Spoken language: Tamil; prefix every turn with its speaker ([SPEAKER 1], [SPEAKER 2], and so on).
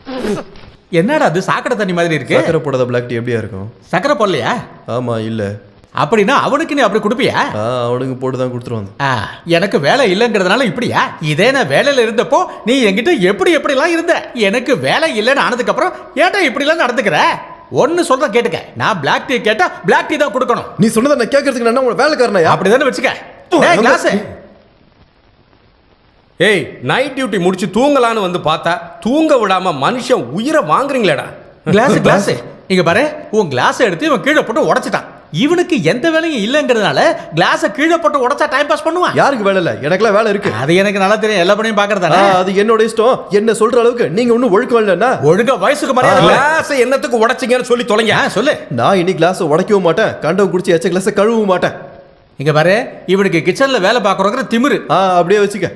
[SPEAKER 1] என்னடா அது சாக்கடை தண்ணி மாதிரி இருக்கு?
[SPEAKER 2] சக்கரை போடாத பிளாக் டீ எப்படியா இருக்கும்?
[SPEAKER 1] சக்கரை போடலையா?
[SPEAKER 2] ஆமா இல்ல.
[SPEAKER 1] அப்படின்னா அவனுக்கு நீ அப்படி கொடுப்பியா?
[SPEAKER 2] அவனுக்கு போட்டு தான் கொடுத்துருவாங்க.
[SPEAKER 1] எனக்கு வேலை இல்லைங்கிறதுனால இப்படியா? இதே நான் வேலையில இருந்தப்போ நீ என்கிட்ட எப்படிலாம் இருந்த. எனக்கு வேலை இல்லைன்னு ஆனதுக்கு அப்புறம் ஏன்டா இப்படிலாம் நடந்துக்கிற? ஒன்னு சொல்ற கேட்டுக்க, நான் பிளாக் டீ கேட்டா பிளாக் டீ தான் கொடுக்கணும்.
[SPEAKER 2] நீ சொன்னதை நான் கேட்கறதுக்கு நான் உங்க வேலைக்காரனா?
[SPEAKER 1] அப்படிதானே வச்சுக்க. கிளாஸ்.
[SPEAKER 3] ஏய், நைட் டியூட்டி முடிச்சு தூங்கலான்னு வந்து பார்த்தா தூங்க விடாம மனுஷன் உயிரை வாங்குறீங்களேடா.
[SPEAKER 1] கிளாஸ் இங்க பாரு, உன் கிளாஸ் எடுத்து இவன் கீழே போட்டு உடைச்சிட்டான். இவனுக்கு எந்த வேலையும் இல்லைங்கிறதுனால கிளாஸை கீழே போட்டு உடைச்சா டைம் பாஸ் பண்ணுவான்.
[SPEAKER 2] யாருக்கு வேலை இல்லை? எனக்குலாம் வேலை இருக்கு.
[SPEAKER 1] அது எனக்கு நல்லா தெரியும். எல்லா பணியும் பாக்குறதா?
[SPEAKER 2] அது என்னோட இஷ்டம். என்ன சொல்ற அளவுக்கு நீங்க ஒன்னும் ஒழுக்கம் இல்லைன்னா
[SPEAKER 1] ஒழுங்கா வயசுக்கு மரியாதை.
[SPEAKER 3] கிளாஸை என்னத்துக்கு உடைச்சிங்கன்னு சொல்லி தொலைங்க.
[SPEAKER 1] சொல்லு.
[SPEAKER 2] நான் இனி கிளாஸை உடைக்கவும் மாட்டேன், கண்டவன் குடிச்சு எச்ச கிளாஸை கழுவவும் மாட்டேன்.
[SPEAKER 1] இங்க பாரு, இவனுக்கு கிச்சன்ல வேலை பாக்குறோங்கிற திமிரு.
[SPEAKER 2] அப்படியே வச்சுக்க.